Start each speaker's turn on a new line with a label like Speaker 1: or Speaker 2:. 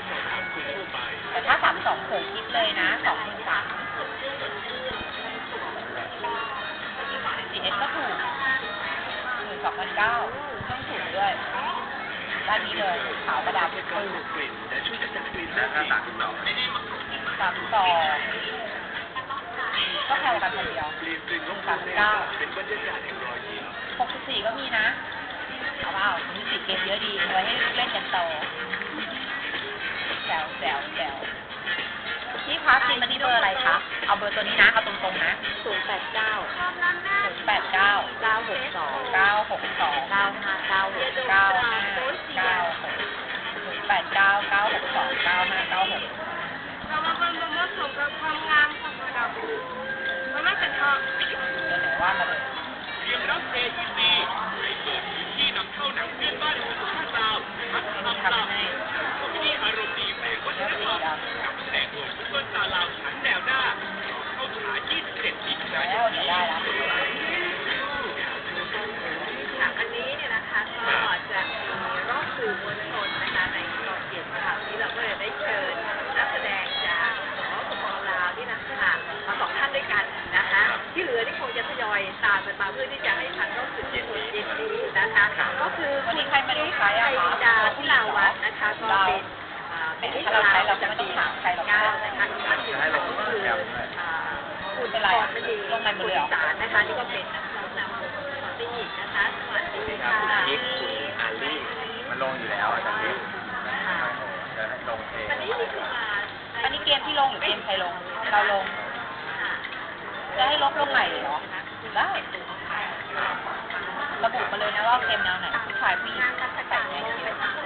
Speaker 1: แต่ถ้า32เผื่อคิดเลยนะ23,000 4S ก็ถูก 12,900 ต้องถูกด้วยด้านนี้เลยขาวกระดาษปื้
Speaker 2: แล้วก็
Speaker 1: 32ก็แพงกว่ากันคนเดียว39,000 64ก็มีนะเอาเปล่า64เกมเยอะดีเอาไว้ให้เล่นกันโตแซวพี่คะซิมมันนี่เบอร์อะไรคะเอาเบอร์ตัวนี้นะเอาตรงๆนะ
Speaker 3: เรามาเป็นมดสมกับความงามของเรามันไม่เป็นทอง
Speaker 1: เดี๋ยวไหนว่ามาเลย
Speaker 4: เตรียมรับ AEC ในเปิดพื้นที่นำเข้าหนังเพื่อนบ้านคุณค่าดาวพัฒนาดาวที่อารมณ์ดีแฝงวัฒนธรรมกับแสงโอซุปเปอร์สตาร์ลาวชั้นแนวหน้าเข้าฉาย27มิถุนายนนี้
Speaker 3: อันนี้เนี่ยนะคะก็จะมีรอบสื่อมวลชนนะคะในกองเกียรติข่าวที่เราก็เลยได้เชิญนักแสดงจากสปป.ลาวที่นะคะมา2 ท่านด้วยกันนะคะที่เหลือที่คงจะทยอยตามกันมาเพื่อที่จะให้ทันรอบสื่อมวลชนเย็นนี้นะคะก็คือคุณไทยดาที่ลาวัฒน์นะคะก็เป็นที่ลาวจากปี9นะคะอีกท่านหนึ่งก็คือคุณพรมณีคุณสารนะคะนี่ก็เป็นนักร้องนำวงสตรีนะคะสวัสดีค่ะ
Speaker 2: กิ๊กคุณอาลี่มันลงอยู่แล้วอาจารย์กิ๊กจะลงเอง
Speaker 3: วันนี้นี่คือมา
Speaker 1: อันนี้เกมที่ลงหรือเกมใครลงเราลงจะให้ลบลงใหม่เหรอได้ระบุมาเลยนะว่าเกมแนวไหนผู้ชายผู้หญิง
Speaker 3: งานราชการ